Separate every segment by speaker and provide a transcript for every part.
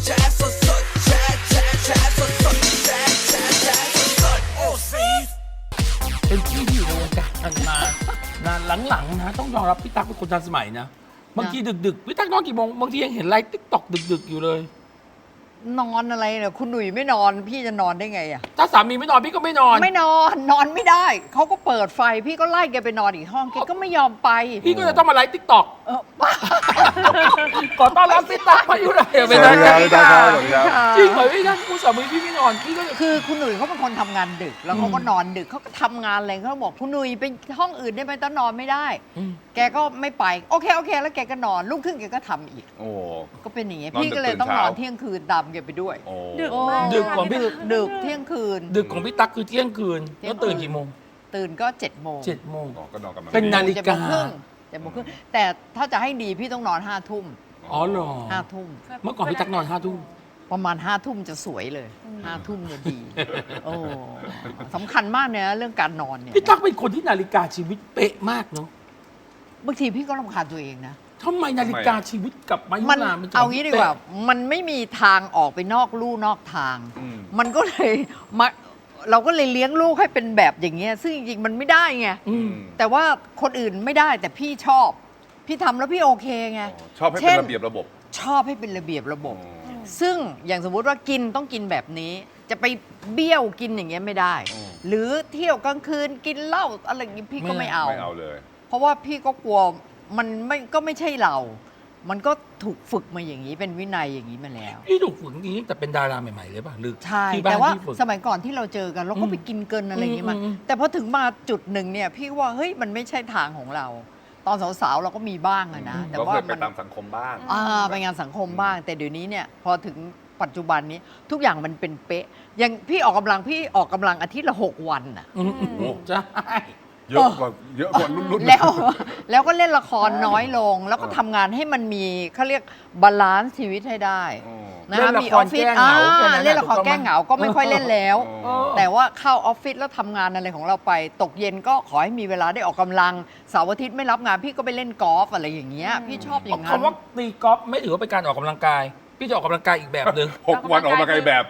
Speaker 1: แชร์สดสดแชร์แชร์แชร์สดสดแชร์แชร์แชร์สดสดโอ้ซี
Speaker 2: เป็นพี่ที่อยู่ในวงการมานานหลังๆนะต้องยอมรับพี่ตั๊กเป็นคนทันสมัยนะบางทีดึกๆพี่ตั๊กนอนกี่โมงบางทียังเห็นไลฟ์ติ๊กต็อกดึกๆอยู่เลย
Speaker 3: นอนอะไรเนี่ยคุณหนุ่ยไม่นอนพี่จะนอนได้ไงอ่ะ
Speaker 2: ถ้าสามีไม่นอนพี่ก็ไม่นอน
Speaker 3: ไม่นอนนอนไม่ได้เขาก็เปิดไฟพี่ก็ไล่แกไปนอนอีกห้องแกก็ไม่ยอมไป
Speaker 2: พี่ก็จะต้องมาไลฟ์ติ๊กต็อก
Speaker 3: บ้า
Speaker 2: ขอต้อนรับพี่ตั๊กมาอยู่ไหน
Speaker 4: สวัสดีครับพี่ตั๊กครับสวัสดีครับ
Speaker 2: จริงเหรอพี่ตั๊กคุณสามีพี่ไม่นอนพี่ก็
Speaker 3: คือคุณหนุ่ยเขาเป็นคนทำงานดึกแล้วเขาก็นอนดึกเขาก็ทำงานอะไรเขาบอกคุณหนุ่ยไปห้องอื่นได้ไหมตอนนอนไม่ได้แกก็ไม่ไปโอเคแล้วแกก็นอนรุ่งขึ้นแกก็ทำอีกก็เป็นอย่างเงี้ยพี่ก็เลยต้องนอนเที่ยงคืนตามแกไปด้วย
Speaker 2: ดึกของพี่
Speaker 3: ดึกเที่ยงคืน
Speaker 2: ดึกของพี่ตั๊กคือเที่ยงคืนแล้วตื่นกี่โมง
Speaker 3: ตื่นก็7 โมง
Speaker 4: ก็นอนกันมา
Speaker 2: เป็นนาฬิกา
Speaker 3: 7 โมงครึ่งแต่ถ้าจะให้ดีพี่ต้องนอน5 ทุ่ม
Speaker 2: อ๋อเหรอ
Speaker 3: 5 ทุ่ม
Speaker 2: เมื่อก่อนพี่ตั๊กนอน5 ทุ่ม
Speaker 3: ประมาณ5 ทุ่มจะสวยเลย5 ทุ่มเนี่ยดีโอ้สำคัญมากเนี่ยเรื่องการนอนเนี่ย
Speaker 2: พี่ตั๊กเป็นคนที่นาฬิกาชีวิตเป๊ะมากเนาะ
Speaker 3: บางทีพี่ก็รำคาญตัวเองนะ
Speaker 2: ทำไมนาฬิกาชีวิตกับมายุรามัน
Speaker 3: เอางี้ดีกว่ามันไม่มีทางออกไปนอกลู่นอกทางมันก็เลยเราก็เลยเลี้ยงลูกให้เป็นแบบอย่างเงี้ยซึ่งจริงๆมันไม่ได้ไงแต่ว่าคนอื่นไม่ได้แต่พี่ชอบพี่ทำแล้วพี่โอเคไง
Speaker 4: ชอบให้เป็นระเบียบระบบ
Speaker 3: ชอบให้เป็นระเบียบระบบซึ่งอย่างสมมุติว่ากินต้องกินแบบนี้จะไปเบี้ยวกินอย่างเงี้ยไม่ได้หรือเที่ยวกลางคืนกินเหล้าอะไรอย่างงี้พี่ก็ไม่เอา
Speaker 4: เลย
Speaker 3: เพราะว่าพี่ก็กลัวมันไม่ใช่เรามันก็ถูกฝึกมาอย่างนี้เป็นวินัยอย่างนี้มาแล้ว
Speaker 2: พี่ถูกฝึกอย่างนี้แต่เป็นดาราใหม่ๆเลยป่ะหรือ
Speaker 3: ใช่แต่ว่าสมัยก่อนที่เราเจอกันเราก็ไปกินเกินอะไรอย่างนี้มาแต่พอถึงมาจุดหนึ่งเนี่ยพี่ว่าเฮ้ยมันไม่ใช่ทางของเรา ตอนสาวๆเราก็มีบ้างนะ
Speaker 4: แต่ว่าไปตามสังคมบ้าง
Speaker 3: ไปงานสังคมบ้างแต่เดี๋ยวนี้เนี่ยพอถึงปัจจุบันนี้ทุกอย่างมันเป็นเป๊ะอย่างพี่ออกกำลังอาทิตย์ละ6 วันอ่ะ
Speaker 2: ใช่
Speaker 4: เยอะกว่ารุ่น
Speaker 3: แล้วก็เล่นละครน้อยลงแล้วก็ทำงานให้มันมีเขาเรียกบาลานซ์ชีวิตให้ได้นะคะมีออฟฟิศเล่นละครแก้เหงาก็ไม่ค่อยเล่นแล้วแต่ว่าเข้าออฟฟิศแล้วทำงานอะไรของเราไปตกเย็นก็ขอให้มีเวลาได้ออกกำลังเสาร์อาทิตย์ไม่รับงานพี่ก็ไปเล่นกอล์ฟอะไรอย่างเงี้ยพี่ชอบอย่างนั้น
Speaker 2: คำว่าตีกอล์ฟไม่ถือว่าเป็นการออกกำลังกายพี่จะออกกำลังกายอีกแบบหนึ่ง
Speaker 4: 6 วันออกกำลังกายแบบ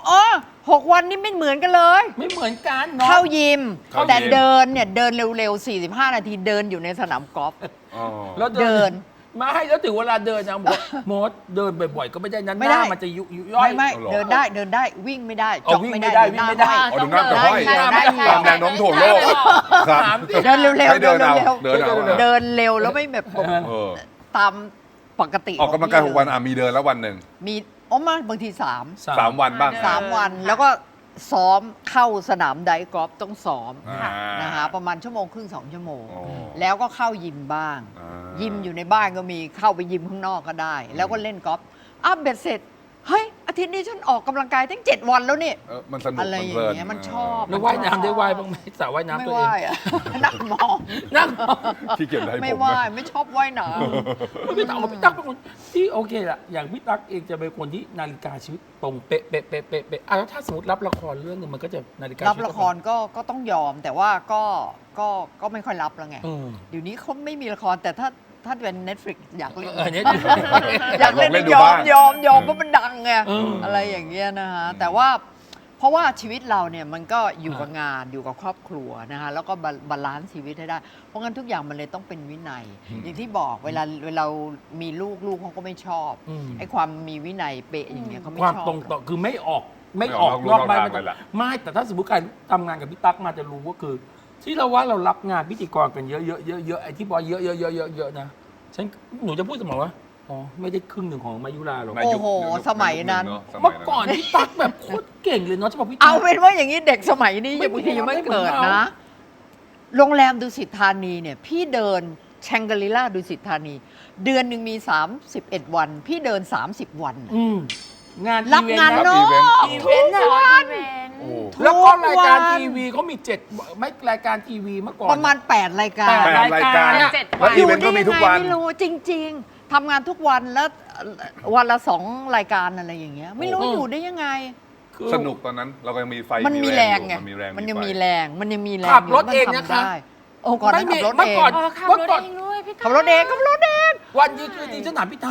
Speaker 3: 6 วันนี่ไม่เหมือนกันเลย
Speaker 2: ไม่เหมือนกัน
Speaker 3: เข้ายิมแต่เดินเร็วๆ45 นาทีเดินอยู่ในสนามกอล์ฟ
Speaker 2: แล้วเดินมาให้แล้วถึงเวลาเดินนะบอกมดเดินบ่อยๆก็ไม่ได้นั้นหน้ามันจะยุย่อย
Speaker 3: ไม่เดินได้วิ่งไม่ได้
Speaker 2: จ็อกไม่ได้วิ่งไม่ได้
Speaker 4: ดูหน้าแต่ห้อยตามแนวโน้มถ่วงโลก
Speaker 3: เดินเร็วๆเดินเร็วแล้วไม่แบบตามปกติ
Speaker 4: ออกกำลังกาย6 วันมีเดินแล้ววันหนึ่ง
Speaker 3: มีมาบางที
Speaker 4: 3 วันบ้าง
Speaker 3: 3 วันแล้วก็ซ้อมเข้าสนามไดกอล์ฟต้องซ้อมนะคะประมาณ1 ชั่วโมงครึ่ง2 ชั่วโมงแล้วก็เข้ายิมบ้างยิมอยู่ในบ้านก็มีเข้าไปยิมข้างนอกก็ได้แล้วก็เล่นกอล์ฟเบ็ดเสร็จเฮ้ยอาทิตย์นี้ฉันออกกำลังกายตั้ง7 วันแล้วนี่
Speaker 4: มันสนุก
Speaker 3: อะไรอย่างเงี้ยมันชอบ
Speaker 2: แล้วว่ายน้ำได้ว่ายบ้างไหมสระว่ายน้ำตัวเอง
Speaker 3: นั่งมอง
Speaker 4: ที่เก็บได้
Speaker 3: ไม่ว่ายไม่ชอบว่ายน้
Speaker 2: ำพี่ตั๊กเป็นคนที่โอเคละอย่างพี่ตั๊กเองจะเป็นคนที่นาฬิกาชีวิตตรงเป๊ะแล้วถ้าสมมติรับละครเรื่องนึงมันก็จะนาฬิกา
Speaker 3: รับละครก็ต้องยอมแต่ว่าก็ไม่ค่อยรับแล้วไงเดี๋ยวนี้เขาไม่มีละครแต่ถ้าเป็น Netflix อยากเล่นอยากเล่นยอมเพราะมันดังไงอะไรอย่างเงี้ยนะคะแต่ว่าเพราะว่าชีวิตเราเนี่ยมันก็อยู่กับงานอยู่กับครอบครัวนะคะแล้วก็บาลานซ์ชีวิตให้ได้เพราะงั้นทุกอย่างมันเลยต้องเป็นวินัยอย่างที่บอกเวลามีลูกเขาก็ไม่ชอบไอ้ความมีวินัยเป๊ะอย่างเงี้ยเขาไม่ชอบ
Speaker 2: ความตรงต่อคือไม่ออกนอกบ้านไม่แต่ถ้าสมมติใครทำงานกับพี่ตั๊กมาจะรู้ว่าคือที่เราว่าเรารับงานพิธีกรกันเยอะไอ้ที่บอกเยอะนะฉันหนูจะพูดเสมอว่าอ๋อไม่ได้ครึ่งหนึ่งของมายุราหรอก
Speaker 3: โอ้โหสมัยนั้น
Speaker 2: เมื่อก่อนพี่ตั๊กแบบโคตรเก่งเลยเนาะจะบอกพี่ตั๊ก
Speaker 3: เอาเป็นว่าอย่างนี้เด็กสมัยนี้บางทียังไม่เกิดนะโรงแรมดุสิตธานีเนี่ยพี่เดินแชงกรีล่าดุสิตธานีเดือนหนึ่งมี31 วันพี่เดิน30 วัน
Speaker 2: งาน
Speaker 3: รับงานนอกทุกวัน
Speaker 2: แล้วก็รายการทีวีเขามี7ไม่รายการทีวีเมื่อก่อน
Speaker 3: ประมาณ8 รายการ
Speaker 4: แล้วอีเวนต์ก็มีทุกวัน
Speaker 3: ไม่รู้จริงๆทำงานทุกวันแล้ววันละ2 รายการอะไรอย่างเงี้ยไม่รู้อยู่ได้ยังไง
Speaker 4: สนุกตอนนั้นเราก็ยังมีไฟ
Speaker 3: มันมีแรงไงมันยังมีแรง
Speaker 2: ขับรถเองนะคะ
Speaker 3: ก่อนขับรถเอง
Speaker 2: ขับรถเองวันดีคือดีฉันถามพี่ตั๊ก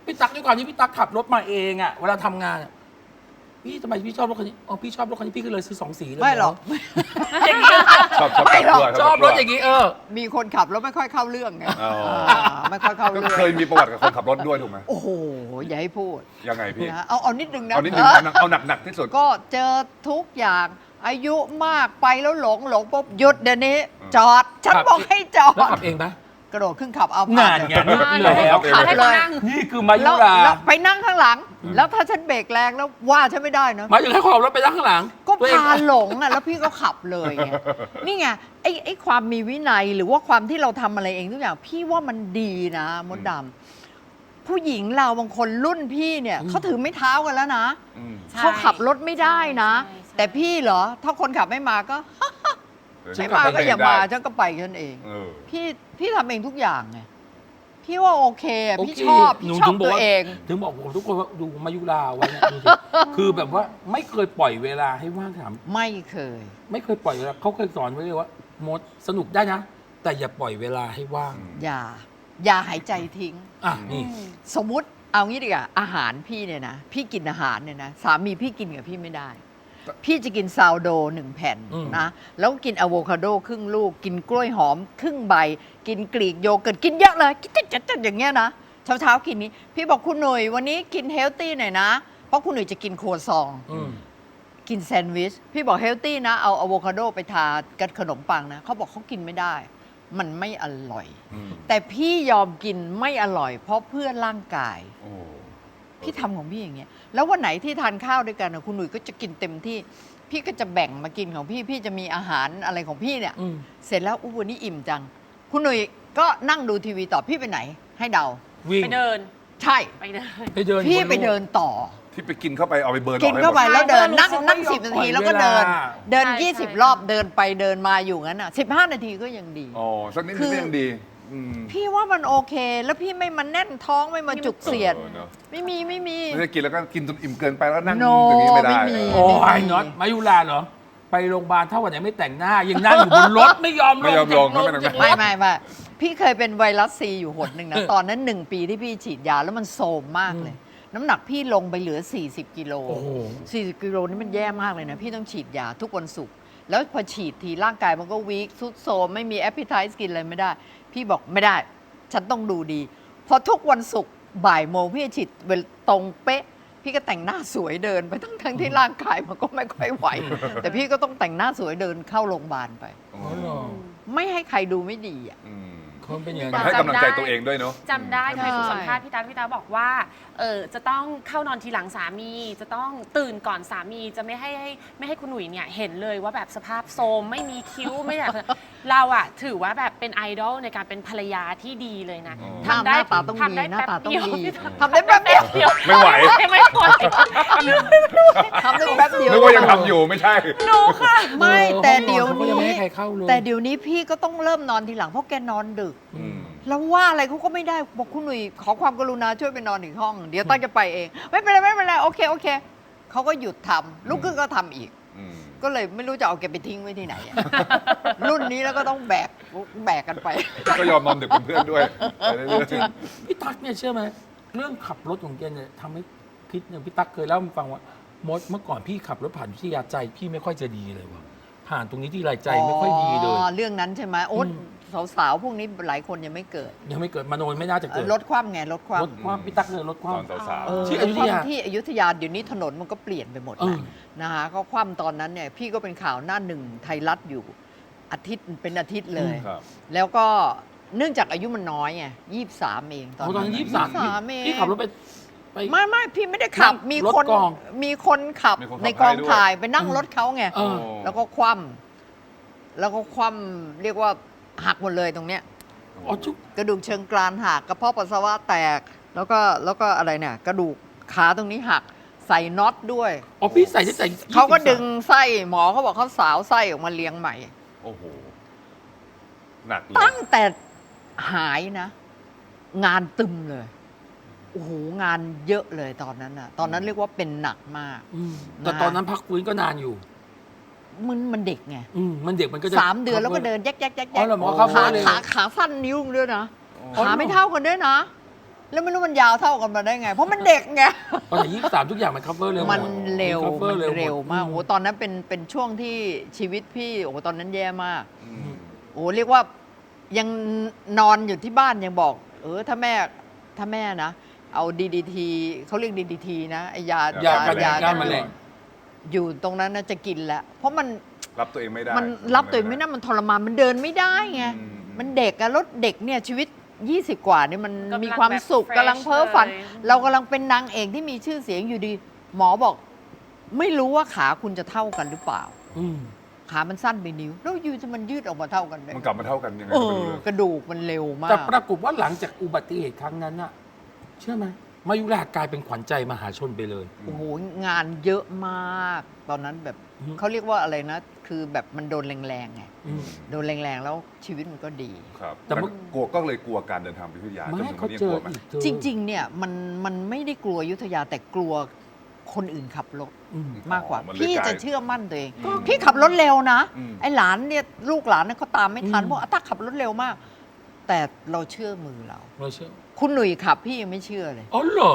Speaker 2: พี่ตั๊กด้วยความที่พี่ตั๊กขับรถมาเองอ่ะเวลาทำงานอะพี่ทำไมพี่ชอบรถคันนี้อ๋อพี่ชอบรถคันนี้พี่ก็เลยซื้อ2 สีเลย
Speaker 3: ไม่หรอก
Speaker 2: อย่างนี้
Speaker 4: ชอบกลับด้วย
Speaker 2: ชอบรถอย่างนี้
Speaker 3: มีคนขับแล้วไม่ค่อยเข้าเรื่องไง
Speaker 4: อ๋อ
Speaker 3: ไม่ค่อยเข้า
Speaker 4: ก็
Speaker 3: เรื่อง
Speaker 4: เคยมีประวัติกับคนขับรถด้วยถูกไหม
Speaker 3: โอ้โหอย่าให้พูด
Speaker 4: ยังไงพี่
Speaker 3: นะเอานิดนึงนะ
Speaker 4: เอานิดนึงเอาหนักที่สุด
Speaker 3: ก็เจอทุกอย่างอายุมากไปแล้วหลงปุ๊บหยุดเดี๋ยวนี้ จอด ฉันบอกให้จอ
Speaker 2: แล้ว
Speaker 3: ด
Speaker 2: ขับเองปะ
Speaker 3: กระโดดขึ้นขับเอา
Speaker 2: งานไงนี่
Speaker 5: มา
Speaker 2: เลยแล้ว
Speaker 3: ขับเลย
Speaker 2: นี่คือมายุ
Speaker 3: แล้ว
Speaker 2: รา
Speaker 3: แล้วไปนั่งข้างหลัง แล้วถ้าฉันเบรกแรงแล้วว่าฉันไม่ได้นะ
Speaker 2: หมายถึงให้ขับรถไปนั่งข้างหลัง
Speaker 3: ก็
Speaker 2: ตัวเอง
Speaker 3: พาหลงอ่ะแล้วพี่ก็ขับเลยไงนี่ไงไอ้ความมีวินัยหรือว่าความที่เราทำอะไรเองทุกอย่างพี่ว่ามันดีนะมดดำผู้หญิงเราบางคนรุ่นพี่เนี่ยเขาถือไม้เท้ากันแล้วนะ
Speaker 4: อืม
Speaker 3: เขาขับรถไม่ได้นะ
Speaker 5: ใช่ใช่
Speaker 3: แต่พี่เหรอ ถ้าคนขับไม่มาก็ ไม่มาก็อย่ามาฉันก็ไปฉันเอง
Speaker 4: เออ
Speaker 3: พี่ทำเองทุกอย่างไงพี่ว่าโอเคอะ
Speaker 2: โอ
Speaker 3: พี่
Speaker 2: เค
Speaker 3: ชอบ
Speaker 2: หนู
Speaker 3: พี่ชอบ
Speaker 2: ถึงบอก
Speaker 3: ตัว
Speaker 2: ว่า
Speaker 3: เอง
Speaker 2: ถึงบอกผมทุกคนว่าดูมายุราไว้เนี่ยดูสิคือแบบว่าไม่เคยปล่อยเวลาให้ว่างถาม
Speaker 3: ไม่เคย
Speaker 2: ไม่เคยปล่อยเวลาเขาเคยสอนไว้เลยว่ามดสนุกได้นะ แต่อย่าปล่อยเวลาให้ว่าง
Speaker 3: อย่าหายใจทิ้ง
Speaker 2: อ่ะนี่
Speaker 3: สมมุติเอางี้ดีกว่าอาหารพี่เนี่ยนะพี่กินอาหารเนี่ยนะสามีพี่กินกับพี่ไม่ได้ พี่จะกินซาวโด1 แผ่น
Speaker 2: อืม
Speaker 3: นะแล้วกินอะโวคาโดครึ่งลูก กินกล้วยหอมครึ่งใบ กินกรีกโยเกิร์ตกินเยอะเลยกินจัดๆอย่างเงี้ยนะเช้าๆกินนี้ พี่บอกคุณหนุ่ยวันนี้กินเฮลตี้หน่อยนะ เพราะคุณหนุ่ยจะกินครัวซอง
Speaker 2: อืม
Speaker 3: กินแซนด์วิช พี่บอกเฮลตี้นะ เอาอะโวคาโดไปทากับขนมปังนะเขาบอกเขากินไม่ได้ มันไม่อร่อย
Speaker 4: อืม
Speaker 3: แต่พี่ยอมกินไม่อร่อย เพราะเพื่อร่างกาย
Speaker 4: โอ้
Speaker 3: พี่ทำของพี่อย่างเงี้ย แล้ววันไหนที่ทานข้าวด้วยกันนะคุณหนุ่ยก็จะกินเต็มที่ พี่ก็จะแบ่งมากินของพี่ พี่จะมีอาหารอะไรของพี่เนี่ย
Speaker 2: อืม
Speaker 3: เสร็จแล้ววันนี้อิ่มจัง คุณหนุ่ยก็นั่งดูทีวีต่อพี่ไปไหน ให้เดา
Speaker 2: วิ่ง
Speaker 5: ไปเดิน
Speaker 3: ใช่
Speaker 5: ไปเดิน
Speaker 2: ไปเดิน
Speaker 3: พี่
Speaker 2: บน
Speaker 3: ไป
Speaker 2: โลก
Speaker 3: เดินต่อ
Speaker 4: ที่ไปกินเข้าไปเอาไปเบิร์นออก
Speaker 3: กิน
Speaker 4: ให้หม
Speaker 3: เข้า
Speaker 4: ด
Speaker 3: ไปแล้วเดิน
Speaker 5: ใช่
Speaker 3: นั่ง
Speaker 2: เขาไม่
Speaker 3: นั่ง
Speaker 2: ยอม
Speaker 3: 10 นาที
Speaker 2: ปล่อย
Speaker 3: แล้วก็เดิน
Speaker 2: เวลา
Speaker 3: เดิน
Speaker 5: ใช่
Speaker 3: 20 รอบเดินไปเดินมาอยู่งั้นอ่ะ15 นาทีก็ยังดี
Speaker 4: อ๋อสักนิด
Speaker 3: คื
Speaker 4: นึง
Speaker 3: อ
Speaker 4: ก็ยังดีอืม
Speaker 3: พี่ว่ามันโอเค แล้วพี่ไม่มาแน่นท้องไม่มาจุกเสียด
Speaker 4: ออเนอะ
Speaker 3: ไม่มี
Speaker 4: ไม่ได้กินแล้วก็กินจนอิ่มเกินไปแล้วนั่ง
Speaker 3: No
Speaker 4: อย่างนี้ไม่ได้
Speaker 3: ไม่มี
Speaker 2: โอ้ยน็อตมายุราเหรอ ไปโรงพยาบาลถ้าวันไหนไม่แต่งหน้า ยังนั่งอยู่บนรถไม่ยอมล
Speaker 4: ไม่
Speaker 2: ง
Speaker 4: ยอมลง
Speaker 2: จากรถ
Speaker 4: ไม่แต่งหน้า
Speaker 3: ไม่พี่เคยเป็นไวรัสซีอยู่หนหนึ่งนะ ตอนนั้น 1 ปีที่พี่ฉีดยาแล้วมันโซมมากเลย น้ำหนักพี่ลงไปเหลือ 40 กิโล
Speaker 2: โอ้โห
Speaker 3: 40 กิโลนี่มันแย่มากเลยนะ พี่ต้องฉีดยาทุกวันศุกร์แล้วพอฉีดทีร่างกายมันก็วีคสุดโซมไม่มีแอปเปิลไทส์กินอะไรไม่ได้ พี่บอกไม่ได้ ฉันต้องดูดี พอทุกวันศุกร์บ่ายโมงพี่จะฉีดเวลาตรงเป๊ะ พี่ก็แต่งหน้าสวยเดินไปทั้งที่ร่างกายมันก็ไม่ค่อยไหว แต่พี่ก็ต้องแต่งหน้าสวยเดินเข้าโรงพยาบาลไป
Speaker 4: อ๋อ
Speaker 2: อ๋อเหรอ
Speaker 3: ไม่ให้ใครดูไม่ดีอ่ะ
Speaker 4: อืม
Speaker 2: เขาเป็นอย่าง
Speaker 4: มัน
Speaker 2: นั้น
Speaker 4: ให้กำลังใจตัวเองด้วยเนาะ
Speaker 5: จำได้เคย
Speaker 3: ใช่
Speaker 5: ถูกสัมภาษณ์พี่ตาบอกว่าจะต้องเข้านอนทีหลังสามี จะต้องตื่นก่อนสามีจะไม่ให้คุณหนุ่ยเนี่ยเห็นเลยว่าแบบสภาพโทรมไม่มีคิ้วไม่อยาก เราอะถือว่าแบบเป็นไอดอลในการเป็นภรรยาที่ดีเลยนะ
Speaker 4: อ๋อ
Speaker 3: หน้าตาต้อง
Speaker 5: ทำ
Speaker 3: ดี
Speaker 5: ได้
Speaker 3: หน้าตาต้อง
Speaker 5: แป๊บ
Speaker 3: ดี
Speaker 5: เยว
Speaker 3: ทำได้แป๊บเดียว
Speaker 4: ไม่ไหว
Speaker 5: ไม่ไหว
Speaker 3: ทำได้แป๊บเดียว
Speaker 4: นึกว่ายังทำอยู่ไม่ใช่
Speaker 5: หนูค่ะ
Speaker 3: ไม่แต่เดี๋ยว
Speaker 2: ขาก็
Speaker 3: นี้
Speaker 2: งไม่ให้ใครเข้าเลย
Speaker 3: แต่เดี๋ยวนี้พี่ก็ต้องเริ่มนอนทีหลังเพราะแกนอนดึก
Speaker 4: อืม
Speaker 3: แล้วว่าอะไรเขาก็ไม่ได้บอกคุณหนุ่ยขอความกรุณาช่วยไปนอนอีกห้อง เดี๋ยวตั้งจะไปเอง ไม่เป็นไรโอเคเขาก็หยุดทำลุกขึ้นก็ทำอีก
Speaker 4: อืม
Speaker 3: ก็เลยไม่รู้จะเอาแกไปทิ้งไว้ที่ไหนอะ รุ่นนี้แล้วก็ต้องแบกกันไป
Speaker 4: ก็ยอมนอนดึกเป็นเพื่อนด้วยไปเรื่
Speaker 2: เอา
Speaker 4: อย
Speaker 2: จริงพี่ตั๊กเนี่ยเชื่อไหมเรื่องขับรถของแกเนี่ยทำให้พิษเนี่ยพี่ตั๊กเคยเล่าให้ฟังว่ามดเมื่อก่อนพี่ขับรถผ่านวิทยาใจพี่ไม่ค่อยจะดีเลยว่ะผ่านตรงนี้ที่ไรใจไม่ค่อยดีเลย
Speaker 3: เรื่องนั้นใช่ไหมโอ๊ตสาวๆพวกนี้หลายคนยังไม่เกิด
Speaker 2: ยังไม่เกิดมโนไม่น่าจะเกิด
Speaker 3: ลดความไงลดความ
Speaker 2: รถความพี่ตั๊กเลยรถค
Speaker 4: ๆ
Speaker 2: วา
Speaker 4: ต
Speaker 2: ม
Speaker 4: อนสาว
Speaker 3: เออ
Speaker 2: ที่อยุธยา
Speaker 3: ที่อยุธยาเดี๋ยวนี้ถนนมันก็เปลี่ยนไปหมด
Speaker 2: เอ
Speaker 3: แล้ว
Speaker 2: อ
Speaker 3: นะคะก็คว่ำตอนนั้นเนี่ยพี่ก็เป็นข่าวหน้าหนึ่งไทยรัฐอยู่อาทิตย์เป็นอาทิตย์เลย
Speaker 4: ๆครับ
Speaker 3: แล้วก็เนื่องจากอายุมันน้อยไง23 เองตอน
Speaker 2: โอ้ตอนนั้น
Speaker 3: นั้น
Speaker 2: 23
Speaker 3: เอง
Speaker 2: พี่ขับรถไป
Speaker 3: ไม่พี่ไม่ได้ขับ
Speaker 2: นั่ง
Speaker 3: มี
Speaker 2: รถ
Speaker 3: คน
Speaker 2: กอง
Speaker 3: มีคนขับ
Speaker 4: มีคนขับ
Speaker 3: ในกอง
Speaker 4: ให้ด้วย
Speaker 3: ถ่ายไปนั่งรถเขาไง
Speaker 2: เออ
Speaker 3: แล้วก็คว่ำเรียกว่าหักหมดเลยตรงเนี้ย
Speaker 2: อ๋อจุ๊บ
Speaker 3: กระดูกเชิงกรานหักกระเพาะปัสสาวะแตก แล้วก็อะไรเนี่ยกระดูกขาตรงนี้หักใส่น็อตด้วย
Speaker 2: อ๋อพี่ใส่ตั้งแต่23
Speaker 3: เขาก็ดึงไส้หมอเขาบอกเขาสาวไส้ออกมาเลี้ยงใหม่
Speaker 4: โอ้โห หนักเลย
Speaker 3: ตั้งแต่หายนะ งานตึมเลยโอ้โหงานเยอะเลยตอนนั้นน่ะ ตอนนั้นเรียกว่าเป็นหนักมาก
Speaker 2: อืมแต่ตอนนั้นพักฟื้นก็นานอยู่
Speaker 3: มันเด็กไง
Speaker 2: มันเด็กมันก็จะ
Speaker 3: 3 เดือนแล้วก็เดินแยก
Speaker 2: อ๋อเหรอหมอเข้า
Speaker 3: ขา
Speaker 2: เลย
Speaker 3: ขาสั้นนิ้วเลยนะ
Speaker 2: อ๋อ
Speaker 3: ขาไม่เท่ากันด้วยนะแล้วไม่รู้มันยาวเท่ากันมาได้ไง เพราะมันเด็กไง
Speaker 2: ตอนที่23ทุกอย่างมัน cover เร็วหด
Speaker 3: มันเร็ว
Speaker 2: มัน cover
Speaker 3: มันเร็วมาก
Speaker 2: ห
Speaker 3: โอ้
Speaker 2: ด
Speaker 3: ตอนนั้นเป็นช่วงที่ชีวิตพี่โอ้ตอนนั้นแย่มาก
Speaker 4: อืม
Speaker 3: โอ้เรียกว่ายังนอนอยู่ที่บ้านยังบอก ถ้าแม่นะ เอา DDT เขาเรียก DDT นะไอยาย
Speaker 2: ากันยาแมลง
Speaker 3: อยู่ตรงนั้นนะจะกินแล้ว เพราะมัน
Speaker 4: รับตัวเองไม่ได้
Speaker 3: มันรับตัวเองไม่ได้มันทรมานมันเดินไม่ได้ไง
Speaker 4: อืม
Speaker 3: มันเด็กอะรถเด็กเนี่ยชีวิต 20 กว่านี่มัน
Speaker 5: กำลัง
Speaker 3: มีความสุข
Speaker 5: แบบ
Speaker 3: กำลังเพ้อฝัน
Speaker 5: fresh เลย
Speaker 3: เรากำลังเป็นนางเอกที่มีชื่อเสียงอยู่ดี หมอบอก ไม่รู้ว่าขาคุณจะเท่ากันหรือเปล่า
Speaker 2: อืม
Speaker 3: ขามันสั้นไปนิ้วแล้วอยู่จะมันยืดออกมาเท่ากันได้
Speaker 4: มันกลับมาเท่ากันยังไง
Speaker 3: เอ
Speaker 4: ก็ไม่
Speaker 3: อ
Speaker 4: รู้เลย
Speaker 3: กระดูกมันเร็วมา
Speaker 2: แต่
Speaker 3: ก
Speaker 2: ปรากฏว่าหลังจากอุบัติเหตุครั้งนั้นน่ะ เชื่อไหมมายุรากลายเป็นขวัญใจมหาชนไปเลย
Speaker 3: โอ้โหงานเยอะมาก ตอนนั้นแบบ
Speaker 2: อืม
Speaker 3: เขาเรียกว่าอะไรนะ คือแบบมันโดนแรงๆไง
Speaker 2: อืม
Speaker 3: โดนแรงๆแล้วชีวิตมันก็ดี
Speaker 4: ครับ
Speaker 2: แต่
Speaker 4: แต่
Speaker 2: เมื่อ
Speaker 4: กลัวก็เลยกลัวการเดินทางไปอยุธยา
Speaker 2: ไม่
Speaker 4: จนถึง
Speaker 2: เขา
Speaker 4: วันนี้
Speaker 2: เจ
Speaker 4: ก
Speaker 2: อ
Speaker 4: ลัวไหม
Speaker 2: อีกเจอ
Speaker 3: จริง ๆ เนี่ยมันไม่ได้กลัวอยุทธยาแต่กลัวคนอื่นขับรถ
Speaker 2: อืม
Speaker 3: มากกว่า
Speaker 4: มันเลย
Speaker 3: พี่
Speaker 4: กลาย
Speaker 3: จะเชื่อมั่นตัวเอง
Speaker 4: อืม
Speaker 3: พี่ขับรถเร็วนะ
Speaker 4: อืม
Speaker 3: ไอ้หลานเนี่ยลูกหลานเนี่ยเขาตามไม่ทัน
Speaker 2: อืม
Speaker 3: เพราะอาตักขับรถเร็วมาก แต่เราเชื่อมือเรา
Speaker 2: เราเชื่อ
Speaker 3: คุณหนุ่ยขับพี่ยังไม่เชื่อเลย
Speaker 2: อ๋อเหรอ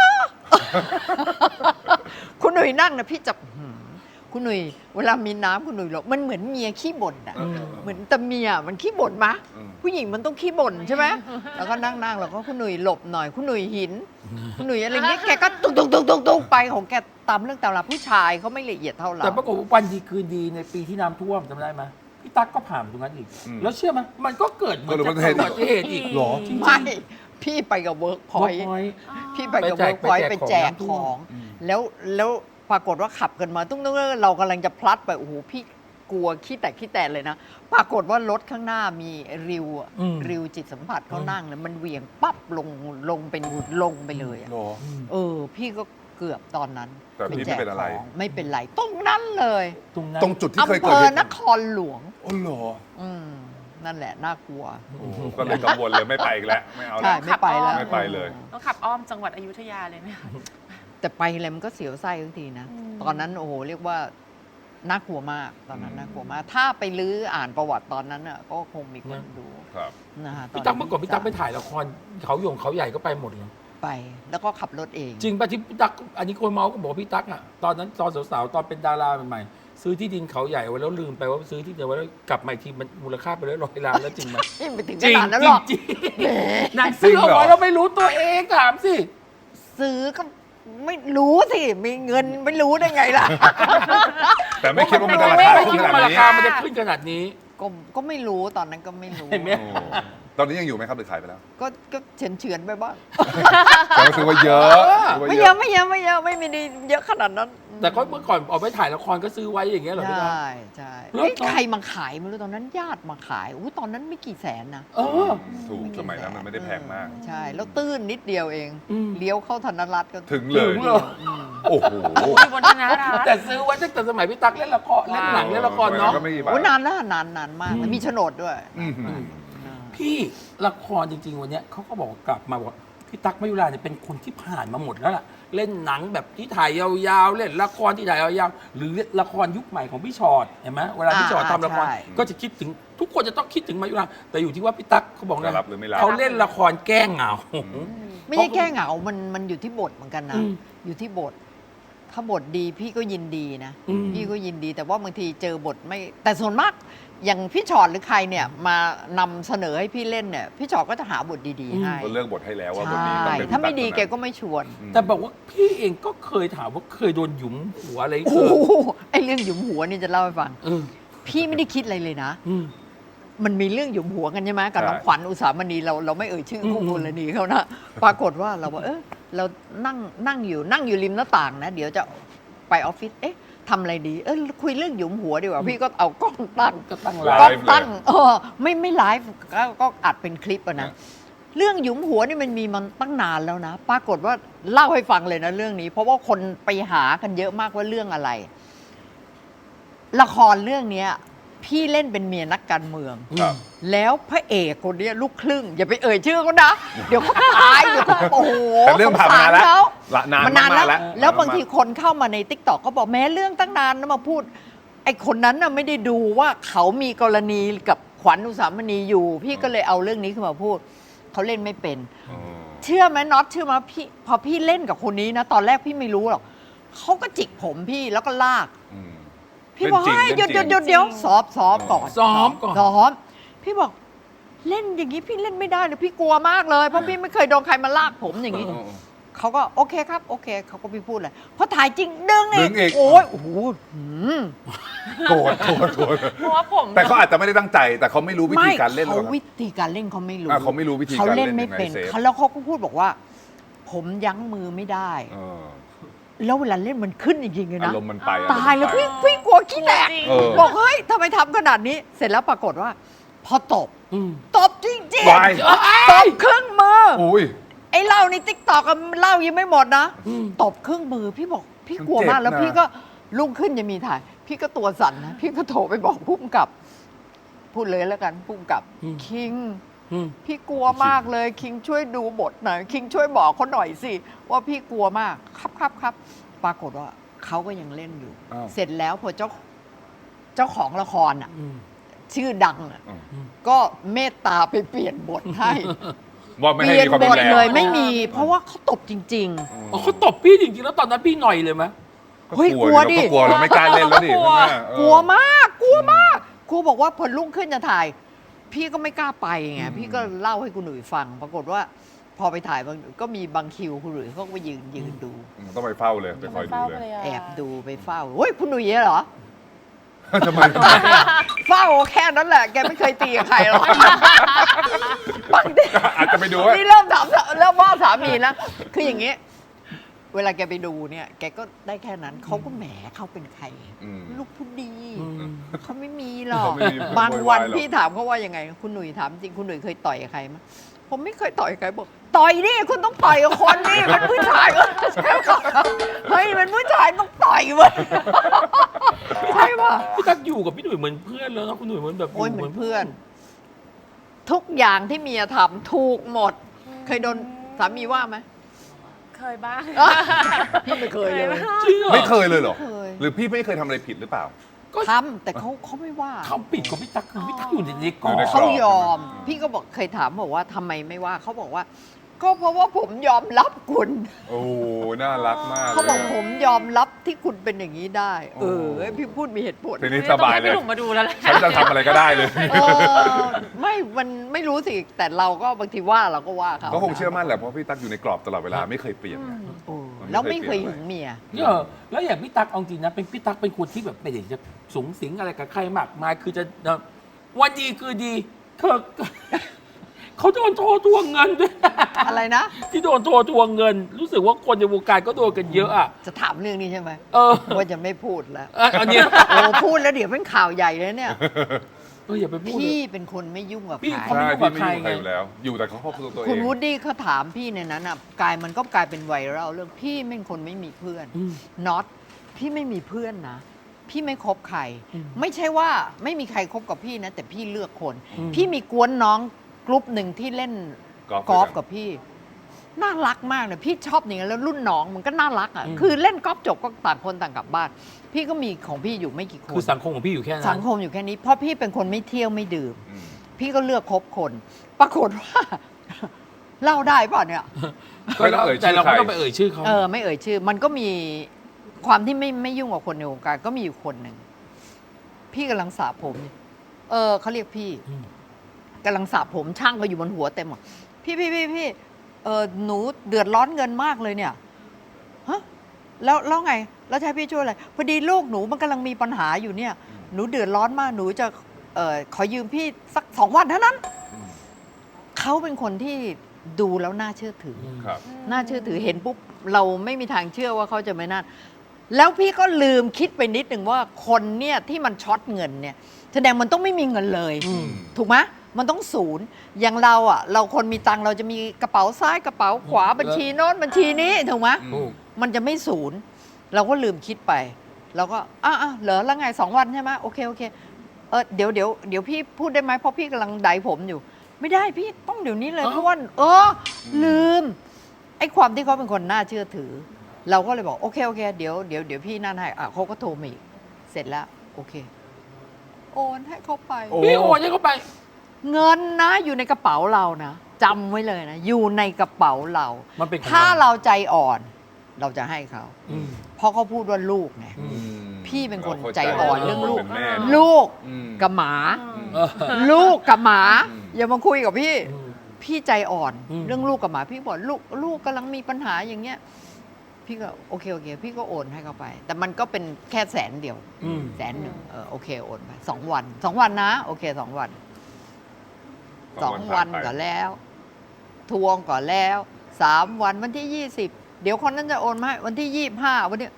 Speaker 3: คุณหนุ่ยนั่งนะพี่จะคุณหนุ่ยเวลามีน้ำคุณหนุ่ยหรอกมันเหมือนเมียขี้บ่นอะ
Speaker 2: อืม
Speaker 3: เหมือนแต่เมียมันขี้บ่นมะ
Speaker 4: อืม
Speaker 3: ผู้หญิงมันต้องขี้บ่นใช่ไหมแล้วก็นั่งๆแล้วก็คุณหนุ่ยหลบหน่อย คุณหนุ่ยหิน คุณหนุ่ยอะไรเงี้ยแกก็ตุกไปของแกตามเรื่องตามราวผู้ชายเขาไม่ละเอียดเท่าเรา
Speaker 2: แต่ปรากฏว่าวันดีคืนดีในปีที่น้ำท่วมจำได้ไหมพี่ตั๊กก็ผ่านตรงนั้นอีก
Speaker 4: อืม
Speaker 2: แล้วเชื่อไหมมันก็เกิดเหมือน
Speaker 4: เกิดอุบัติเหตุ
Speaker 2: อุบัติเหตุอีก
Speaker 4: หรอ
Speaker 2: จริงๆ
Speaker 3: ไม่พี่ไปกับเวิร์กพอยต์
Speaker 2: Workpoint
Speaker 3: พี่ไปกับ
Speaker 2: ไปแจ
Speaker 3: เวิ
Speaker 2: ก
Speaker 3: ร์กพอยต์
Speaker 2: ไป
Speaker 3: ไป
Speaker 2: แจ
Speaker 3: แจ
Speaker 2: ก
Speaker 3: ก
Speaker 2: ของ
Speaker 3: ของ
Speaker 2: อืม
Speaker 3: แล้วปรากฏว่าขับกันมาตุ้งเรากำลังจะพลัดไปโอ้โหพี่กลัวขี้แตกเลยนะ ปรากฏว่ารถข้างหน้ามีริวอะ
Speaker 2: อืม
Speaker 3: ริวจิตสัมผัสเขานั่งแล้วมันเหวี่ยงปั๊บลงเป็นลงไปเลยอะ
Speaker 4: หรอ
Speaker 3: พี่ก็เกือบตอนนั้น
Speaker 4: แต่พี่ไม่เป็นอะไร
Speaker 3: ของไม่เป็นไรตรงนั้นเลย
Speaker 2: ตรงนั้น
Speaker 4: ตรงจุดที่เคย
Speaker 3: อำ
Speaker 4: เกิ
Speaker 3: เภ
Speaker 4: ด
Speaker 3: อ
Speaker 4: เหตุ
Speaker 3: นครหลวง
Speaker 4: อ๋อเหรอ
Speaker 3: นั่นแหละน่ากลัว
Speaker 4: โอ้โหก็เลยกังวลเลยไม่ไปอีกแล้วไม่เอา
Speaker 3: ใช่
Speaker 4: แล้ว
Speaker 3: ไม่ไปแล้ว
Speaker 4: ไม่ไปเลย
Speaker 5: ต้องขับอ้อมจังหวัดอยุธยาเลยไหมคะ
Speaker 3: แต่ไปอะไรมันก็เสียวไส้ทุกทีนะ
Speaker 5: อืม
Speaker 3: ตอนนั้นโอ้โหเรียกว่าน่ากลัวมากตอนนั้นน่ากลัวมาก ถ้าไปลื้ออ่านประวัติตอนนั้นอ่ะก็คงมีคนดู
Speaker 4: ครับ
Speaker 3: นะฮะ
Speaker 2: พี่ตั๊กเมื่อก่อนพี่ตั๊กไปถ่ายละครเขาหยงเขาใหญ่ก็ไปหมดเลย
Speaker 3: ไป แล้วก็ขับรถเอง
Speaker 2: จริงป่ะที่พี่ตั๊กอันนี้คนเมาส์ก็บอกว่าพี่ตั๊กอ่ะตอนนั้นตอนสาวๆตอนเป็นดาราใหม่ๆซื้อที่ดินเขาใหญ่ไว้แล้วลืมไปว่าซื้อที่เดียวไว้แล้วกลับมาอีกทีมันมูลค่าไป100 ล้านแล้วจริงไหม
Speaker 3: นี่ไปถึง
Speaker 2: จ
Speaker 3: ข
Speaker 2: ริง
Speaker 3: นาดนั้น
Speaker 2: จ
Speaker 3: ห
Speaker 2: ริ
Speaker 3: รง อก
Speaker 2: จริง
Speaker 3: แหม
Speaker 2: นางซื้อเอา
Speaker 4: จริงเหร
Speaker 2: ไว้
Speaker 4: อ
Speaker 2: แล้วไม่รู้ตัวเองถามสิ
Speaker 3: ซื้อก็ไม่รู้สิ มีเงินไม่รู้ได้ไงล่ะ
Speaker 4: แต่ไม่คิดว่ามันจะรา
Speaker 2: ไม่
Speaker 4: คา
Speaker 2: ไม่
Speaker 4: ขึ้
Speaker 2: คิด
Speaker 4: นข
Speaker 2: ว่า
Speaker 4: นาด
Speaker 2: รา
Speaker 4: นี้
Speaker 2: คามันจะขึ้นขนาดนี้
Speaker 3: ก็ไม่รู้ตอนนั้นก็ไม่รู้
Speaker 2: เห็นไหม
Speaker 4: โอ้ตอนนี้ยังอยู่ไหมครับหรือขายไปแล้ว
Speaker 3: ก็เฉือนไปบ้าง
Speaker 4: แต่ก็คือว่าเยอะถืว่า
Speaker 3: ไม่เยอะไม่มีดีเยอะขนาดนั้น
Speaker 2: แต่ก็เมื่อก่อนออกไปถ่ายละครก็ซื้อไว้อย่างเงี้ยเหรอพี่ตั๊ก
Speaker 3: ใช่
Speaker 2: แล้ว
Speaker 3: เฮ้ย
Speaker 2: ตอน
Speaker 3: ใครมาขายไม่รู้ตอนนั้นญาติมาขายตอนนั้นไม่กี่แสนนะ
Speaker 2: เออ
Speaker 4: ถูกสมัยนั้นมันไม่ได้แพงมาก
Speaker 3: ใช่ แล้วตื้นนิดเดียวเอง
Speaker 2: อืม
Speaker 3: เลี้ยวเข้าธนรัตน์ก็
Speaker 4: ถึงเลย
Speaker 2: ถึงเหรอ
Speaker 4: โอ้โห
Speaker 5: อยู่บนธนารัตน์
Speaker 2: แต่ซื้อไว้ตั้งแต่สมัยพี่ตั๊กเล่นละครเล่นหนังเล่นละครเนาะ
Speaker 4: ก็ไม่กี่บาท
Speaker 3: โอ้นานแล้วนานมากแล้วมีโฉนดด้วย
Speaker 4: อื้อหือ
Speaker 2: พี่ละครจริงๆวันเนี้ยเขาก็บอกกลับมาบอกว่าพี่ตั๊กมายุราเนี่ยเป็นคนที่ผ่านมาหมดแล้วล่ะเล่นหนังแบบที่ถ่ายยาวๆเล่นละครที่ถ่ายยาวๆหรือละครยุคใหม่ของพี่ชอตเห็นไหมเวลาพี่ชอตทำละคร
Speaker 3: ใช่
Speaker 2: ก็จะคิดถึงทุกคนจะต้องคิดถึงมายุราแต่อยู่ที่ว่าพี่ตั๊กเขาบอก
Speaker 4: จะ
Speaker 2: นะ
Speaker 4: รับหรือไม่รับ
Speaker 2: เขาเล่นละครแก้เหงา
Speaker 3: ไม่ใช่แก้เหงา มันอยู่ที่บทเหมือนกันนะ
Speaker 2: อืม
Speaker 3: อยู่ที่บท ถ้าบทดีพี่ก็ยินดีนะ
Speaker 2: อืม
Speaker 3: พี่ก็ยินดี แต่ว่าบางทีเจอบทไม่ แต่ส่วนมาก อย่างพี่ชอตหรือใครเนี่ยมานำเสนอให้พี่เล่นเนี่ย พี่ชอตก็จะหาบทดีๆให้
Speaker 4: ก็เลือกบทให้แล้วว่าบท
Speaker 3: ใช่
Speaker 4: นี้ต้องเป็น
Speaker 3: ถ้าไม่ดี
Speaker 4: ตั๊
Speaker 3: แกก็ไม่ชวน
Speaker 4: อืม
Speaker 2: แต่บอกว่าพี่เองก็เคยถามว่าเคยโดนหยุมหัวอะไร
Speaker 3: โอ้
Speaker 2: เกิด
Speaker 3: โหไอ้เรื่องหยุมหัวนี่จะเล่าให้ฟัง
Speaker 2: เออ
Speaker 3: พี่ไม่ได้คิดอะไรเลยนะ
Speaker 2: อืม
Speaker 3: มันมีเรื่องหยุมหัวกันใช่ไหมกับ
Speaker 4: ใช่
Speaker 3: น้องขวัญอุสามณีเราไม่เอ่ยชื่อคู่
Speaker 2: อืม
Speaker 3: กรณีเขานะปรากฏว่าเราว่าเรานั่งอยู่ริมหน้าต่างนะ เดี๋ยวจะไปออฟฟิศทำอะไรดีคุยเรื่องหยุมหัวดีกว่าพี่ก็เอากล้องตั้ง
Speaker 2: ก็ตั้ง
Speaker 4: ไล
Speaker 2: ร้าน
Speaker 3: กล้อง
Speaker 4: ฟ์เลย
Speaker 3: ตั้งไม่ไลฟ์ก็อัดเป็นคลิปอะนะ เรื่องหยุมหัวนี่มันมีมันตั้งนานแล้วนะ ปรากฏว่าเล่าให้ฟังเลยนะเรื่องนี้ เพราะว่าคนไปหากันเยอะมากว่าเรื่องอะไร ละครเรื่องเนี้ย พี่เล่นเป็นเมียนักการเมือง
Speaker 4: ครับ
Speaker 3: แล้วพระเอกคนเนี้ยลูกครึ่ง อย่าไปเอ่ยชื่อเขานะ เดี๋ยวเขาตายเดี๋ยวเขาโอ้โห
Speaker 4: แต่เรื่องผ่านมานานแล้ว
Speaker 3: สงสรเข
Speaker 4: ละนาน
Speaker 3: มันนาน
Speaker 4: มากๆ
Speaker 3: แล้
Speaker 4: แล้ว ว
Speaker 3: แล้วบางทีคนเข้ามาในติ๊กต็อกก็บอกแม้เรื่องตั้งนานนะมาพูด ไอ้คนนั้นน่ะไม่ได้ดูว่าเขามีกรณีกับขวัญอุสามณีอยู่ พี่ก็เลยเอาเรื่องนี้ขึ้นมาพูด เขาเล่นไม่เป็น
Speaker 4: อ๋อ
Speaker 3: เชื่อไหมน็อตเชื่อไหมพี่พอพี่เล่นกับคนนี้นะ ตอนแรกพี่ไม่รู้หรอกเขาก็จิกผมพี่แล้วก็ลาก
Speaker 4: อืม
Speaker 3: พี่บอก
Speaker 4: เล่นจริง
Speaker 3: ให้หยุด
Speaker 4: เล่นจริง
Speaker 3: เดี๋ยวซ้อมก่อน
Speaker 2: ซ้อมก่อน
Speaker 3: ซ้อมพี่บอกเล่นอย่างนี้พี่เล่นไม่ได้เลยพี่กลัวมากเลยเพราะพี่ไม่เคยโดนใครมาลากผมอย่างนี้ เขาก็โอเคครับโอเคเขาก็ไม่พูดเลยพอถ่ายจริงดึง
Speaker 4: ดึงอีก
Speaker 3: โอ้ยโอ้โหหืม
Speaker 4: โกรธ
Speaker 5: เพราะว่าผม
Speaker 4: แต่เขาอาจจะไม่ได้ตั้งใจ แต่เขาไม่รู้วิธีการเล่นหร
Speaker 3: เขา
Speaker 4: อก
Speaker 3: วิธีการเล่นเขาไม่รู้
Speaker 4: เขาไม่รู้วิธี
Speaker 3: เขา
Speaker 4: การ
Speaker 3: เล่
Speaker 4: เล่
Speaker 3: น
Speaker 4: น
Speaker 3: ไม่
Speaker 4: ยังไง
Speaker 3: เป็น
Speaker 4: เซฟ
Speaker 3: เขาแล้วเขาก็พูดบอกว่า ผมยั้งมือไม่ได้
Speaker 4: เออ
Speaker 3: แล้วเวลาเล่นมันขึ้นจริงๆเลย
Speaker 4: อา
Speaker 3: นะ
Speaker 4: รมณ์มันไป
Speaker 3: ตายแล้ว
Speaker 4: อารมณ์มันไป
Speaker 3: พี่กลัวขี้แตก
Speaker 4: เออ
Speaker 3: บอกเฮ้ยทำไมทำขนาดนี้ เสร็จแล้วปรากฏว่า พอตบ
Speaker 2: อืม
Speaker 3: ตบจริง
Speaker 4: วาย
Speaker 3: ๆตบครึ่งมือ
Speaker 4: อุ้ย
Speaker 3: ไอ้เหล้าในติ๊กตอกเหล้ายังไม่หมดนะ
Speaker 2: อืม
Speaker 3: ตบครึ่งมือพี่บอกพี่กลัวมาก
Speaker 4: มันเจ็บนะ
Speaker 3: แล้วพี่ก็รุ่งขึ้นจะมีถ่าย พี่ก็ตัวสั่นนะพี่ก็โทรไปบอกผู้กำกับ พูดเลยแล้วกันผู้กำกับ คิง
Speaker 2: อืม
Speaker 3: พี่กลัวมากเลยคิงช่วยดูบทหน่อยคิงช่วยบอกเขาหน่อยสิว่าพี่กลัวมากครับปรากฏว่าเขาก็ยังเล่นอยู่
Speaker 4: อ้าว
Speaker 3: เสร็จแล้วพอเจ้าของละครอ่ะ
Speaker 2: อืม
Speaker 3: ชื่อดังอ่ะ
Speaker 4: อืม
Speaker 3: ก็เมตตาไปเปลี่ยนบทให้
Speaker 4: ว่าไม่
Speaker 3: เป
Speaker 4: ให้
Speaker 3: ลี่ยน
Speaker 4: มีความ
Speaker 3: บ
Speaker 4: รุ
Speaker 3: ท
Speaker 4: นแรง
Speaker 3: เลยไม่มี เพราะว่าเขาตบจริง
Speaker 2: อ๋อเขาตบพี่จริงๆแล้วตอนนั้นพี่หน่อยเลยไหม
Speaker 3: เฮ้ยกลัวดิ
Speaker 4: ก็กลัวเราไม่กล้าเล่นแล้วดิ
Speaker 5: กลัว
Speaker 4: ใช่ไหมเออ
Speaker 3: ๆ กลัวมากครูบอกว่าพอรุ่งขึ้นจะถ่าย พี่ก็ไม่กล้าไปไงพี่ก็เล่าให้คุณหนุ่ยฟัง ปรากฏว่า พอไปถ่ายก็มีบางคิวคุณหนุ่ยเขาก็ไปยืนดู
Speaker 4: ต้องไปเฝ้าเลยไปคอยดูเลย
Speaker 3: แอบดูไปเฝ้าเฮ้ยคุณหนุ่ยเหรอ
Speaker 4: ทำไม
Speaker 3: เฝ้าแค่นั้นแหละ แกไม่เคยตีกับใครหรอกบางที
Speaker 4: อาจจะไปดูว่า
Speaker 3: นี่เริ่มว่าสามีนะ คืออย่างนี้ เวลาแกไปดูเนี่ย แกก็ได้แค่นั้น เขาก็แหมเขาเป็นใคร
Speaker 4: อืม
Speaker 3: ลูกผู้ดี
Speaker 2: อืม
Speaker 3: เขาไม่มีหรอก
Speaker 4: เขาไม่มี
Speaker 3: บางวัน
Speaker 4: โวยวายหรอก
Speaker 3: พี่ถามเขาว่ายังไง คุณหนุ่ยถามจริง คุณหนุ่ยเคยต่อยกับใครมั้ยผมไม่เคยต่อยกับใครบอก ต่อยดิคุณต้องต่อยกับคนนี่มันผู้ชายเฮ้ยมันผู้ชายต้องต่อยเว้ยใช่ป่ะ
Speaker 2: พี่ตั๊กอยู่กับพี่หนุ่ยเหมือนเพื่อนแล้วนะคุณหนุ่ยเหมือนแบบ
Speaker 3: โอ้ยเหมือนเพื่อน ทุกอย่างที่เมียทำถูกหมด เคยโดนสามีว่าไหม
Speaker 5: เคยบ้าง
Speaker 3: พี่ไม่เคยเลย
Speaker 5: บ้าง
Speaker 2: จริงเหรอ
Speaker 4: ไม่เคยเลยเหรอ
Speaker 3: ไม่เคย
Speaker 4: หรือพี่ไม่เคยทำอะไรผิดหรือเปล่า
Speaker 3: ทำแต่เขาไม่ว่า
Speaker 2: คำปิดของพี่ตั๊กคือพี่ตั๊กอยู่ในกรอ
Speaker 4: อยู่ใน
Speaker 2: บ
Speaker 4: กร
Speaker 3: เขา
Speaker 4: อบ
Speaker 3: ยอม พี่ก็บอกเคยถามบอกว่าทำไมไม่ว่าเขาบอกว่า ก็เพราะว่าผมยอมรับคุณ
Speaker 4: โอ้น่ารักมาก
Speaker 3: เขาบอก
Speaker 4: ลยะ
Speaker 3: ผมยอมรับที่คุณเป็นอย่างนี้ได้
Speaker 4: โอ้
Speaker 3: พี่พูดมีเหตุผล
Speaker 4: ทีนี้สบายเลย
Speaker 5: ต้องให้พี่หนุ่มมาดูแล้วแหละ
Speaker 4: ฉันจะทำอะไรก็ได้เลย
Speaker 3: มันไม่รู้สิ แต่เราก็บางทีว่าเราก็ว่าเขา
Speaker 4: ก็คงเชื่อมั่นแหละเพราะพี่ตั๊กอยู่ในกรอบตลอดเวลาไม่เคยเปลี่ยนไง
Speaker 3: โอ้แล้วไม่เคยหึงเมีย
Speaker 2: เนี่ยแล้วอย่างพี่ตั๊กเอาจริงนะเป็นพี่ตั๊กเป็นคนที่แบบไม่ได้จะสูงสิงอะไรกับใครมากมายคือจะวันดีคือดีเธอ เขาโดนโทรทวงเงินด้วย
Speaker 3: อะไรนะ
Speaker 2: ที่โดนโทรทวงเงิน รู้สึกว่าคนในวงการก็โดนกันเยอะอ่ะ
Speaker 3: จะถามเรื่องนี้ใช่ไหม
Speaker 2: เออ
Speaker 3: ว่าจะไม่พูดแล้ว
Speaker 2: อันเนี้ย
Speaker 3: โอ้พูดแล้วเดี๋ยวเป็นข่าวใหญ่เลยเนี่ย
Speaker 2: อย่าไปพูดเล
Speaker 3: พี่
Speaker 2: ย
Speaker 3: เป็นคนไม่ยุ่งกับ
Speaker 2: พี่
Speaker 3: ใคร
Speaker 2: เขาไม่
Speaker 4: ใช่
Speaker 2: ยุ่งกับ
Speaker 4: พี่ไม่
Speaker 2: ใคร
Speaker 4: ยุ่งกับใครอยู่แล้ว อยู่แต่เขาครอบครัวตัวเอ
Speaker 3: คุณ
Speaker 4: ง
Speaker 3: วูดดี้เขาถามพี่ในนั้นอ่ะมันก็กลายเป็นไวรัลเรื่องพี่เป็นคนไม่มีเพื่อน
Speaker 2: อืม
Speaker 3: น็อตพี่ไม่มีเพื่อนนะ พี่ไม่คบใคร
Speaker 2: อืม
Speaker 3: ไม่ใช่ว่าไม่มีใครคบกับพี่นะ แต่พี่เลือกคน
Speaker 2: อืม
Speaker 3: พี่มีกวนน้องกลุ่มหนึ่งที่เล่น
Speaker 4: กอล์ฟ
Speaker 3: กับพี่ น่ารักมากเลยพี่ชอบอย่างนั้นแล้วรุ่นน้องมันก็น่ารักอ่ะคือเล่นกอล์ฟจบก็ต่างคนต่างกลับบ้าน พี่ก็มีของพี่อยู่ไม่กี่คน
Speaker 2: คือสังคมของพี่อยู่แค่นั้น
Speaker 3: สังคมอยู่แค่นี้เพราะพี่เป็นคนไม่เที่ยวไม่ดื่ม
Speaker 4: อืม
Speaker 3: พี่ก็เลือกคบคน ปรากฏว่า เล่าได้ป่ะเนี่ย
Speaker 4: ไม่ต้องเอ่ยชื่อ
Speaker 2: แต่เรา
Speaker 4: ใคร
Speaker 2: ไม่ต้องไปเอ่ยชื่อเขา
Speaker 3: ไม่เอ่ยชื่อ มันก็มีความที่ไม่ยุ่งกับคนในวงการก็มีอยู่คนหนึ่ง พี่กำลังสระผมอยู่เขาเรียกพี่กำลังสระผมช่างก็อยู่บนหัวเต็มหมดพี่หนูเดือดร้อนเงินมากเลยเนี่ยฮะแล้วไง แล้วจะให้พี่ช่วยอะไรพอดีลูกหนูมันกำลังมีปัญหาอยู่เนี่ย หนูเดือดร้อนมากหนูจะขอยืมพี่สัก2 วันเท่านั้น
Speaker 4: อืม
Speaker 3: เขาเป็นคนที่ดูแล้วน่าเชื่อถือ
Speaker 4: ครับ
Speaker 3: น่าเชื่อถือเห็นปุ๊บเราไม่มีทางเชื่อว่าเขาจะไม่น่าแล้วพี่ก็ลืมคิดไปนิดหนึ่งว่าคนเนี่ยที่มันช็อตเงินเนี่ยแสดงมันต้องไม่มีเงินเลย
Speaker 2: อืม
Speaker 3: ถูกไหมมันต้องศูนย์อย่างเราอ่ะ เราคนมีตังค์เราจะมีกระเป๋าซ้ายกระเป๋าขวาบัญชีโน้นบัญชีนี้ถูกไหม
Speaker 4: อืม
Speaker 3: มันจะไม่ศูนย์ เราก็ลืมคิดไปเราก็เหรอแล้วไง2 วันใช่ไหมโอเคเดี๋ยวพี่พูดได้ไหมเพราะพี่กำลังไดผมอยู่ ไม่ได้พี่ต้องเดี๋ยวนี้เลย
Speaker 2: เอ้า
Speaker 3: เพราะว่าลืมไอ้ความที่เขาเป็นคนน่าเชื่อถือ เราก็เลยบอกโอเคเดี๋ยวพี่นั่นให้เขาก็โทรมาอีกเสร็จแล้วโอเค โอนให้เขาไป
Speaker 4: โอ้
Speaker 2: พี่โอนให้เขาไป
Speaker 3: เงินนะอยู่ในกระเป๋าเรานะจำไว้เลยนะ อยู่ในกระเป๋าเรา
Speaker 2: มันเป็นของ
Speaker 3: ถ้าเราใจอ่อน เราจะให้เขา
Speaker 2: อืม
Speaker 3: เพราะเขาพูดว่าลูกไง
Speaker 2: อืม
Speaker 3: พี่เป็นคน
Speaker 4: ราข้า
Speaker 3: ใจอ่อนเรื่องลูก
Speaker 4: เป็นแม่เนอะ
Speaker 3: ลูก
Speaker 4: อืม
Speaker 3: กับหมา
Speaker 2: เออ
Speaker 3: ลูกกับหมา
Speaker 4: อืม
Speaker 3: อย่ามาคุยกับพี่
Speaker 2: อืม
Speaker 3: พี่ใจอ่อน
Speaker 2: อืม
Speaker 3: เรื่องลูกกับหมา พี่บอกลูกกำลังมีปัญหาอย่างเงี้ย พี่ก็โอเคพี่ก็โอนให้เขาไป แต่มันก็เป็นแค่100,000เดียว
Speaker 2: อืม
Speaker 3: 100,000โอเคโอนไป2 วัน2 วันนะโอเค2 วัน2 วันก่อนแล้ว ทวงก่อนแล้ว3 วันวันที่ 20 เดี๋ยวคนนั้นจะโอนมาให้วันที่25วันนี้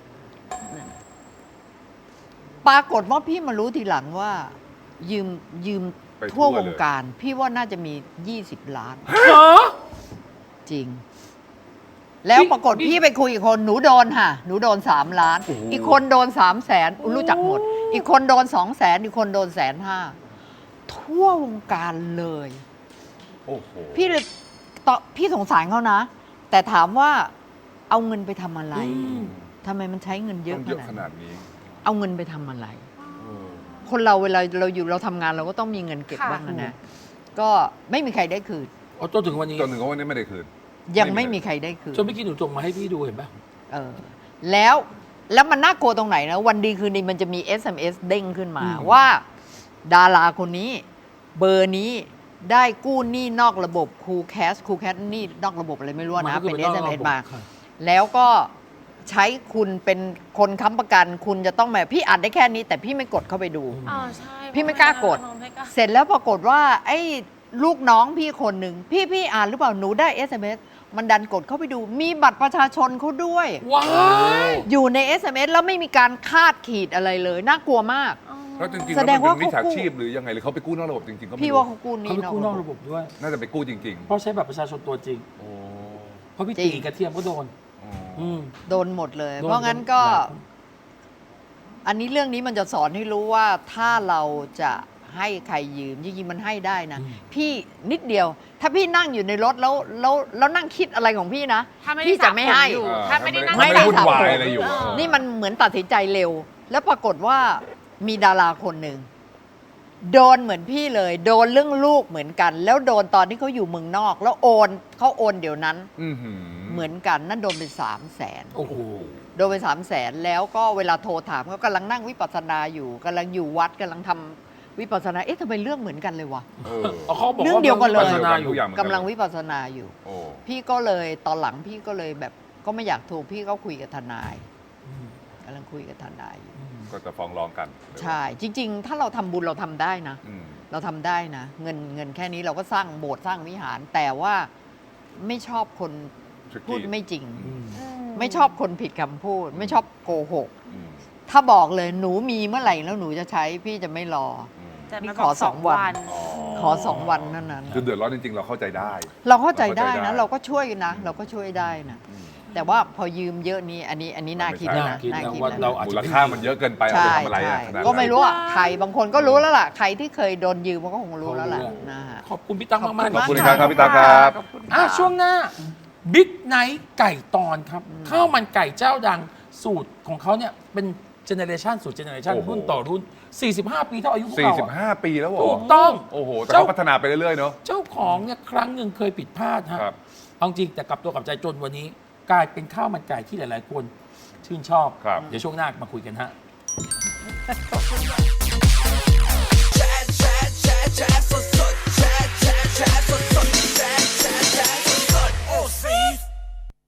Speaker 3: ปรากฏว่าพี่มารู้ทีหลังว่า ยืม
Speaker 4: ไป
Speaker 3: ทั่ว
Speaker 4: ทั่ว
Speaker 3: ว
Speaker 4: เลย
Speaker 3: งการ พี่ว่าน่าจะมี20 ล้าน
Speaker 2: เหรอ
Speaker 3: จริง แล้ว
Speaker 2: พี่
Speaker 3: ปรากฏพี่ไปคุยกับคนหนูโดนค่ะ หนูโดน3 ล้าน
Speaker 4: โอ้โห
Speaker 3: อีกคนโดน300,000รู้จักหมด อีกคนโดน200,000อีกคนโดน150,000ทั่ววงการเลย
Speaker 4: โอ้โห
Speaker 3: พี่เลยพี่สงสารเขานะ แต่ถามว่าเอาเงินไปทำอะไร
Speaker 2: อืม
Speaker 3: ทำไมมันใช้เงินเย
Speaker 4: ต้
Speaker 3: อะ
Speaker 4: อง
Speaker 3: ข
Speaker 4: เยอะ
Speaker 3: นาด
Speaker 4: ข
Speaker 3: นั้น
Speaker 4: นาดนี้
Speaker 3: เอาเงินไปทำอะไร
Speaker 4: เออ
Speaker 3: คนเราเวลาเราทำงานเราก็ต้องมีเงินเก็บ
Speaker 5: ค่ะ
Speaker 3: บ้างนะก็ไม่มีใครได้คืน
Speaker 2: เอาจนถึงวันนี้
Speaker 4: จนถึงวันนี้ไม่ได้คืน
Speaker 3: ยังไม่มีใครได้คืน
Speaker 2: จนเมื่อกี้หนูส่งมาให้พี่ดูเห็นปะ
Speaker 3: เออแล้วมันน่ากลัวตรงไหนนะ วันดีคืนดีมันจะมี SMS เด้งขึ้นมา ว่า ดาราคนนี้ เบอร์นี้ได้กู้หนี้นอกระบบคูแคสหนี้นอกระบบอะไรไม่รู้
Speaker 2: มั
Speaker 3: นะ
Speaker 2: ก็คือ
Speaker 3: เป็น
Speaker 2: นอกระบบ
Speaker 3: SMS มา
Speaker 2: ค่ะ
Speaker 3: แล้วก็ใช้คุณเป็นคนค้ำประกัน คุณจะต้องแบบพี่อ่านได้แค่นี้ แต่พี่ไม่กดเข้าไปดู
Speaker 5: อ๋อใช่
Speaker 3: พี่ไม่กล้ากด
Speaker 5: ไม่กล้า
Speaker 3: เสร็จแล้วปรากฏว่า ไอ้ลูกน้องพี่คนหนึ่งพี่อ่านหรือเปล่าหนูได้ SMS มันดันกดเข้าไปดู มีบัตรประชาชนเขาด้วย
Speaker 2: ว้าย
Speaker 3: อยู่ใน SMS แล้วไม่มีการคาดขีดอะไรเลย น่ากลัวมาก
Speaker 4: แล้วจริงๆ
Speaker 3: แส
Speaker 4: แล้ว
Speaker 3: ด
Speaker 4: มัน
Speaker 3: งว่า
Speaker 4: เป็นมิจฉา
Speaker 3: เขากู้
Speaker 4: ชีพหรือยังไงหรือเขาไปกู้นอกระบบจริงๆก็ไม่
Speaker 3: พี่
Speaker 4: รู้
Speaker 3: ว่าเขากู้ห
Speaker 2: เขา
Speaker 3: นี้
Speaker 2: ไปกู้นอกระบบด้วย
Speaker 4: น่าจะไปกู้จริง
Speaker 2: เพราะใช้บัตรประชาชนตัวจริง
Speaker 4: ๆ โอ้
Speaker 2: เพราะพี่
Speaker 3: จริง
Speaker 2: ตีกระเทียมก็โดน
Speaker 4: อ๋อ
Speaker 2: อืม
Speaker 3: โดนหมดเลย
Speaker 2: โดน
Speaker 3: เพราะงั้นก็ อันนี้เรื่องนี้มันจะสอนให้รู้ว่าถ้าเราจะให้ใครยืมจริงๆมันให้ได้นะ พี่นิดเดียว ถ้าพี่นั่งอยู่ในรถแล้วนั่งคิดอะไรของพี่นะ
Speaker 5: ถ้าไม่ได้
Speaker 3: พี่จะไม่ให้
Speaker 5: สระผมอยู่ ถ้าไม่ได้นั่ง
Speaker 3: ไม่
Speaker 4: ไม่
Speaker 3: ได้
Speaker 4: ได้วุ่นวาย
Speaker 3: สระผม
Speaker 4: อะไรอยู่
Speaker 3: นี่มันเหมือนตัดสินใจเร็ว แล้วปรากฏว่ามีดาราคนหนึ่งโดนเหมือนพี่เลย โดนเรื่องลูกเหมือนกัน แล้วโดนตอนที่เขาอยู่เมืองนอก แล้วเขาโอนเดี๋ยวนั้น
Speaker 4: อื้อหือ
Speaker 3: เหมือนกันนั่นโดนไป300,000
Speaker 2: โอ้โห
Speaker 3: โดนไป300,000แล้วก็เวลาโทรถามเขากำลังนั่งวิปัสสนาอยู่กำลังอยู่วัดกำลังทำวิปัสสนาทำไมเรื่องเหมือนกันเลยวะ
Speaker 4: เออ
Speaker 2: เขาบอก
Speaker 3: เรื่องเดียวกันเลย
Speaker 2: พัฒนาอยู่
Speaker 4: ทุกอย่างเหมือน
Speaker 3: กำลังวิปัสสนาอยู่
Speaker 4: โอ้
Speaker 3: พี่ก็เลยตอนหลังพี่ก็เลยแบบก็ไม่อยากโทรพี่ก็คุยกับทนาย
Speaker 2: อืม
Speaker 3: กำลังคุยกับทนายอยู่
Speaker 2: อืม
Speaker 4: ก็จะฟ้องร้องกัน
Speaker 3: ใช่ จริง ๆ ถ้าเราทำบุญเราทำได้นะ
Speaker 4: อืม
Speaker 3: เราทำได้นะ เงินแค่นี้เราก็สร้างโบสถ์สร้างวิหาร แต่ว่าไม่ชอบคน
Speaker 4: Tricky
Speaker 3: พูดไม่จริง
Speaker 2: อืม
Speaker 3: ไม่ชอบคนผิดคำพูด ไม่ชอบโกหก
Speaker 4: อืม
Speaker 3: ถ้าบอกเลยหนูมีเมื่อไหร่แล้วหนูจะใช้พี่จะไม่รอ
Speaker 4: อืม
Speaker 5: จะ
Speaker 3: นี่
Speaker 5: มา
Speaker 3: ข
Speaker 5: บ
Speaker 3: อ
Speaker 5: อก
Speaker 3: สองวัน
Speaker 4: อ๋อ
Speaker 3: ขอ2 วันเท่านั้น
Speaker 4: คือเดือดร้อนจริงๆ เราเข้าใจได้
Speaker 3: เราเข้าใจได้นะ
Speaker 4: เรา
Speaker 3: เราก็ช่วยนะ เราก็ช่วยได้นะ
Speaker 4: อืม
Speaker 3: แต่ว่าพอยืมเยอะนี้อันนี้น่าคิด
Speaker 4: ไม่
Speaker 3: นะ
Speaker 4: ใช่
Speaker 3: น่าคิด
Speaker 2: ว่า
Speaker 3: นะ
Speaker 2: เราอาจ
Speaker 4: มู
Speaker 2: จะ
Speaker 4: ลค่ามันเยอะเกินไปเอา
Speaker 3: ใช่
Speaker 4: ไปทำอะไร
Speaker 3: ใช่
Speaker 4: อะขนาดนั้น
Speaker 3: ก็ไม่รู้อ่ะใครบางคนก็รู้แล้วล่ะ ใครที่เคยโดนยืมมันก็คงรู้แล้วล่ะนะฮะ
Speaker 2: ขอบคุณพี่ตั๊กมากๆ
Speaker 4: ขอบคุณ
Speaker 2: นะ
Speaker 4: ครับพี่ตาครับ
Speaker 2: ช่วงหน้าบิ๊กไนท์ไก่ตอนครับ ข้าวมันไก่เจ้าดังสูตรของเขาเนี่ยเป็นเจเนเรชันสู่เจเนเรชัน
Speaker 4: โอ้โห
Speaker 2: รุ่นต่อรุ่น 45 ปีเท่าอายุพวกเราอะ
Speaker 4: 45 ปีแล้วเหรอ
Speaker 2: ถูกต้อง
Speaker 4: โอ้โห แต่เขาพัฒนาไปเรื่อยๆ เนอะ
Speaker 2: เจ้าของเนี่ยครั้งหนึ่งเคยผิดพลาดฮะ
Speaker 4: ครับ
Speaker 2: เอาจริงแต่กลับตัวกลับใจจนวันนี้ กลายเป็นข้าวมันไก่ที่หลาย ๆ คนชื่นชอบ
Speaker 4: ครับ
Speaker 2: เดี๋ยวช่วงหน้ามาคุยกันฮะ
Speaker 1: Chat, chat, chat, chat, so